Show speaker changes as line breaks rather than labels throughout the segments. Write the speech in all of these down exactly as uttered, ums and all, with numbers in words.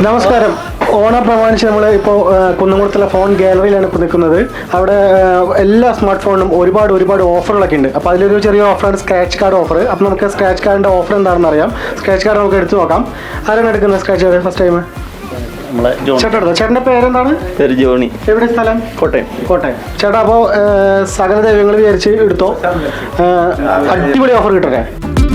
നമസ്കാരം. ഓണം പ്രമാണിച്ച് നമ്മൾ ഇപ്പോൾ കുന്നംകുളത്തുള്ള ഫോൺ ഗാലറിയിലാണ് ഇപ്പോൾ നിൽക്കുന്നത്. അവിടെ എല്ലാ സ്മാർട്ട് ഫോണിനും ഒരുപാട് ഒരുപാട് ഓഫറുകളൊക്കെ ഉണ്ട്. അപ്പോൾ അതിലൊരു ചെറിയ ഓഫറാണ് സ്ക്രാച്ച് കാർഡ് ഓഫർ. അപ്പോൾ നമുക്ക് സ്ക്രാച്ച് കാർഡിൻ്റെ ഓഫർ എന്താണെന്ന് അറിയാം. സ്ക്രാച്ച് കാർഡ് നമുക്ക് എടുത്തു നോക്കാം. ആരാണ് എടുക്കുന്നത് സ്ക്രാച്ച് കാർഡ് ഫസ്റ്റ് ടൈം? ചേട്ടാ എടുത്തോ. ചേട്ടൻ്റെ പേരെന്താണ്?
പേര് ജോണി.
എവിടെ സ്ഥലം?
കോട്ടയം.
കോട്ടയം. ചേട്ടാ അപ്പോൾ സകല ദൈവങ്ങൾ വിചാരിച്ച് എടുത്തോ. അടിപൊളി ഓഫർ കിട്ടട്ടെ.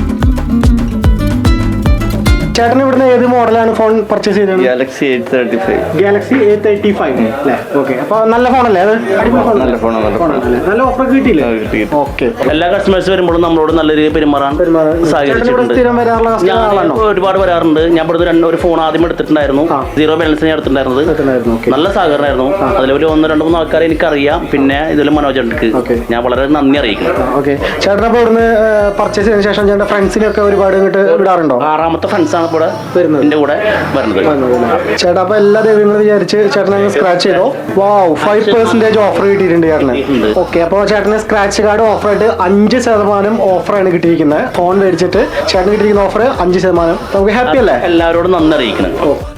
ചേട്ടൻ ഇവിടുന്ന് ഏത് മോഡലാണ് ഫോൺ പർച്ചേസ് ചെയ്തത്?
Galaxy eight thirty five.
Galaxy A thirty five അല്ലേ? ഓക്കെ. അപ്പോൾ നല്ല ഫോണല്ലേ അത്?
നല്ല ഫോണാണ്.
നല്ല ഓഫർ കിട്ടിയില്ലേ? ഓക്കെ.
എല്ലാ കസ്റ്റമേഴ്സ് വരുമ്പോഴും നമ്മളോട് നല്ല രീതിയിൽ പെരുമാറാൻ സഹകരിച്ചിട്ടുണ്ട്. ഞാൻ ഒരുപാട് വരാറുണ്ട്. ഞാൻ ഇവിടുന്ന് രണ്ട് ഒരു ഫോൺ ആദ്യം എടുത്തിട്ടുണ്ടായിരുന്നു. സീറോ ബാലൻസ് ഞാൻ എടുത്തിട്ടുണ്ടായിരുന്നത്. നല്ല സഹകരണമായിരുന്നു. അതിലൊരു ഒന്ന് രണ്ട് മൂന്ന് ആൾക്കാരെ എനിക്കറിയാം. പിന്നെ ഇതിൽ മനോജ് ഉണ്ട്. ഞാൻ വളരെ നന്ദി അറിയിക്കുന്നു.
ഓക്കെ. ചേട്ടൻ അപ്പോൾ ഇവിടുന്ന് പർച്ചേസ് ചെയ്തതിനു ശേഷം ചേട്ടൻ ഫ്രണ്ട്സിനൊക്കെ ഒരുപാട് ഇങ്ങോട്ട് വിടാറുണ്ടോ?
ആറാമത്തെ ഫ്രണ്ട്സാണ് ഇവിടെ എന്റെ കൂടെ വരുന്നത്.
ചേട്ടാ അപ്പൊ എല്ലാ ദൈവങ്ങളും വിചാരിച്ച് ചേട്ടനെ സ്ക്രാച്ച് ചെയ്തോ. വാവ്, ഫൈവ് പെർസെന്റേജ് ഓഫർ കിട്ടിയിട്ടുണ്ട് ചേട്ടന്. ഓക്കെ. അപ്പോൾ ചേട്ടന് സ്ക്രാച്ച് കാർഡ് ഓഫറായിട്ട് അഞ്ച് ശതമാനം ഓഫറാണ് കിട്ടിയിരിക്കുന്നത്. ഫോൺ മേടിച്ചിട്ട് ചേട്ടന് കിട്ടിയിരിക്കുന്ന ഓഫർ അഞ്ച് ശതമാനം. നമുക്ക് ഹാപ്പി അല്ലേ?
എല്ലാവരോടും നന്ദി അറിയിക്കണം.